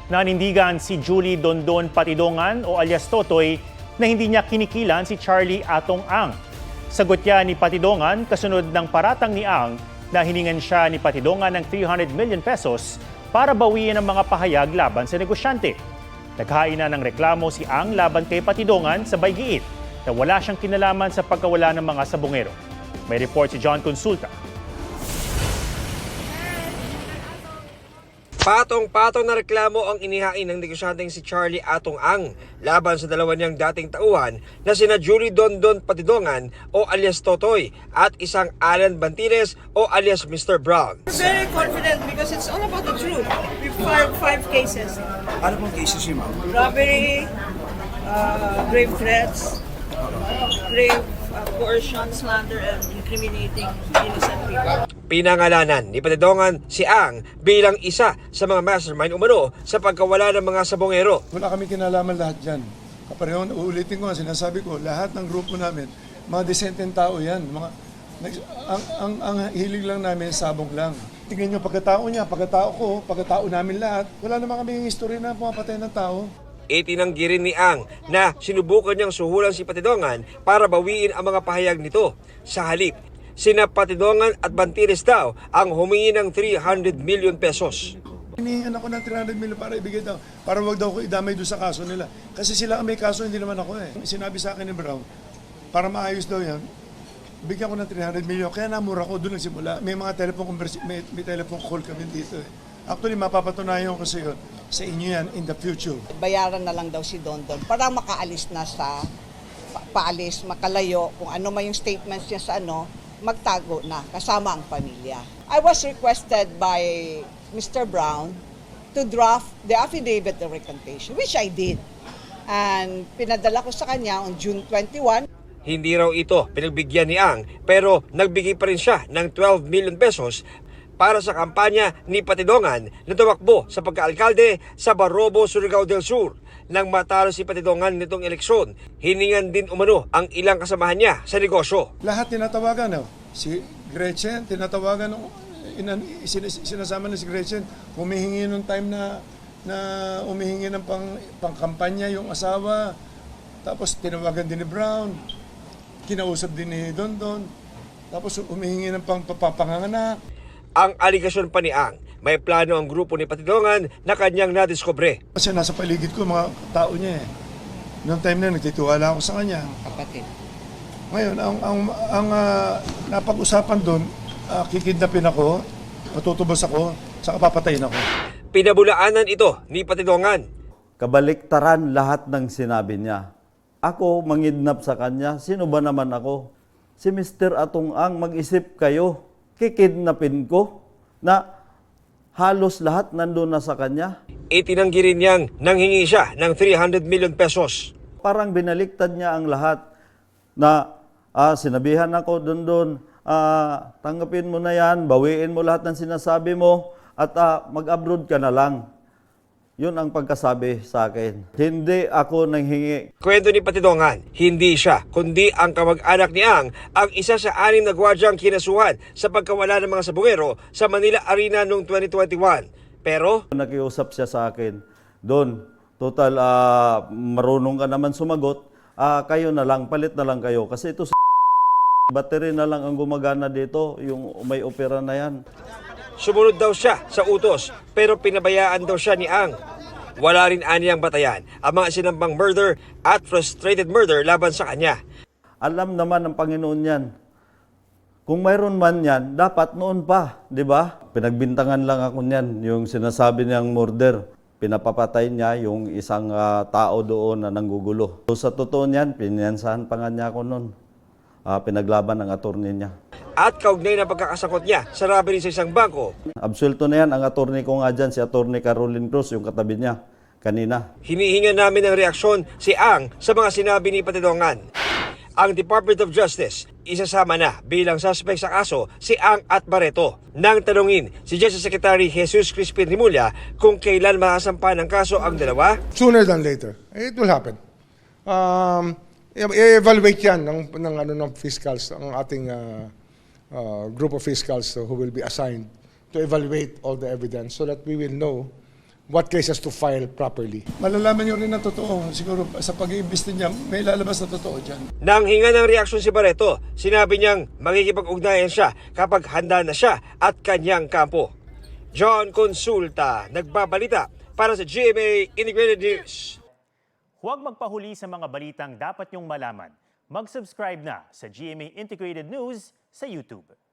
Nanindigan si Julie Dondon Patidongan o alias Totoy na hindi niya kinikilan si Charlie Atong Ang. Sagot niya ni Patidongan kasunod ng paratang ni Ang na hiningan siya ni Patidongan ng 300 million pesos para bawiin ang mga pahayag laban sa negosyante. Naghain na ng reklamo si Ang laban kay Patidongan sa Baygiit na wala siyang kinalaman sa pagkawala ng mga sabongero. May report si John Consulta. Patong-patong na reklamo ang inihain ng negosyanteng si Charlie Atong Ang laban sa dalawa niyang dating tauhan na sina Julie Dondon Patidongan o alias Totoy at isang Alan Bantires o alias Mr. Brown. We're very confident because it's all about the truth. We filed 5 cases. Ano pong cases yun, ma'am? Robbery, grave threats, grave coercion, slander, and incriminating innocent people. Pinangalanan ni Patidongan si Ang bilang isa sa mga mastermind umano sa pagkawala ng mga sabongero. Wala kami kinalaman lahat dyan. Kapareho, uulitin ko, sinasabi ko, lahat ng grupo namin, mga desenteng tao yan. Ang hilig lang namin, sabong lang. Tingnan nyo, pagkatao niya, pagkatao ko, pagkatao namin lahat, wala naman kami yung history na pumapatay ng tao. Itinanggi rin ni Ang na sinubukan niyang suhulan si Patidongan para bawiin ang mga pahayag nito. Sa halip, sina Patidongan at Bantires daw ang humingi ng 300 million pesos. Hinihingan ako ng 300 million para ibigay daw, para wag daw ko idamay doon sa kaso nila. Kasi sila ang may kaso, hindi naman ako eh. Sinabi sa akin ni Brown, para maayos daw yan, bigyan ko ng 300 million. Kaya namura ko, doon nagsimula. May mga may telephone call kami dito eh. Actually, mapapatunayan ko sa iyo, sa inyo yan in the future. Bayaran na lang daw si Dondon para makaalis na sa paalis, makalayo, kung ano man yung statements niya sa magtago na kasama ang pamilya. I was requested by Mr. Brown to draft the affidavit of recantation, which I did. And pinadala ko sa kanya on June 21. Hindi raw ito pinagbigyan ni Ang pero nagbigay pa rin siya ng 12 million pesos para sa kampanya ni Patidongan na tumakbo sa pagkaalkalde sa Barobo, Surigao del Sur. Nang matalo si Patidongan nitong eleksyon, hiningan din umano ang ilang kasamahan niya sa negosyo. Lahat tinatawagan, si Gretchen, tinatawagan, sinasama na si Gretchen, humihingi nung time na humihingi ng pangkampanya yung asawa, tapos tinawagan din ni Brown, kinausap din ni Dondon, tapos humihingi ng papanganganak. Ang aligasyon pa ni Ang, may plano ang grupo ni Patidongan na kanyang nadiskubre. Kasi nasa paligid ko mga tao niya eh. Noong time na nagtitiwala ako sa kanya. Kapatid. Ngayon, ang napag-usapan doon, kikidnapin ako, matutubos ako, saka papatayin ako. Pinabulaanan ito ni Patidongan. Kabaliktaran lahat ng sinabi niya. Ako mangidnap sa kanya, sino ba naman ako? Si Mr. Atong Ang, mag-isip kayo. Kikidnapin ko na halos lahat nandun na sa kanya. Itinanggi rin niyang nanghingi siya ng 300 million pesos. Parang binaliktad niya ang lahat na sinabihan ako doon, tanggapin mo na yan, bawiin mo lahat ng sinasabi mo at mag-abroad ka na lang. Yun ang pagkasabi sa akin. Hindi ako nanghingi. Kwento ni Patidongan, hindi siya, kundi ang kamag-anak ni Ang isa sa 6 na gwardyang kinasuhan sa pagkawala ng mga sabongero sa Manila Arena noong 2021. Pero Nakiusap siya sa akin, Don, total marunong ka naman sumagot, kayo na lang, palit na lang kayo. Kasi ito battery na lang ang gumagana dito, yung may opera na yan. sumunod daw siya sa utos pero pinabayaan daw siya ni Ang. Wala rin aniyang batayan ang mga sinambang murder at frustrated murder laban sa kanya. Alam naman ng Panginoon yan. Kung mayroon man yan, dapat noon pa, di ba? Pinagbintangan lang ako niyan, yung sinasabi niyang murder. Pinapapatay niya yung isang tao doon na nanggugulo. So, sa totoo niyan, pinansahan pa nga niya ako noon. Pinaglaban ng attorney niya. At kaugnay na pagkakasangkot niya sa robbery sa isang bangko. Absuelto na yan, ang attorney ko nga dyan, si attorney Caroline Cruz, yung katabi niya kanina. Hinihinga namin ng reaksyon si Ang sa mga sinabi ni Patidongan. Ang Department of Justice, isasama na bilang suspect sa kaso si Ang at Barreto. Nang tanungin si Justice Secretary Jesus Crispin Rimulya kung kailan makasampa ng kaso ang dalawa. Sooner than later. It will happen. I-evaluate yan ng fiscals, ang ating group of fiscals who will be assigned to evaluate all the evidence so that we will know what cases to file properly. Malalaman nyo rin na totoo. Siguro sa pag-iimbesti niya, may lalabas na totoo dyan. Nang hinga ng reaksyon si Barreto, sinabi niyang makikipag-ugnayan siya kapag handa na siya at kanyang kampo. John Consulta, nagbabalita para sa GMA Integrated News. Huwag magpahuli sa mga balitang dapat niyong malaman. Mag-subscribe na sa GMA Integrated News sa YouTube.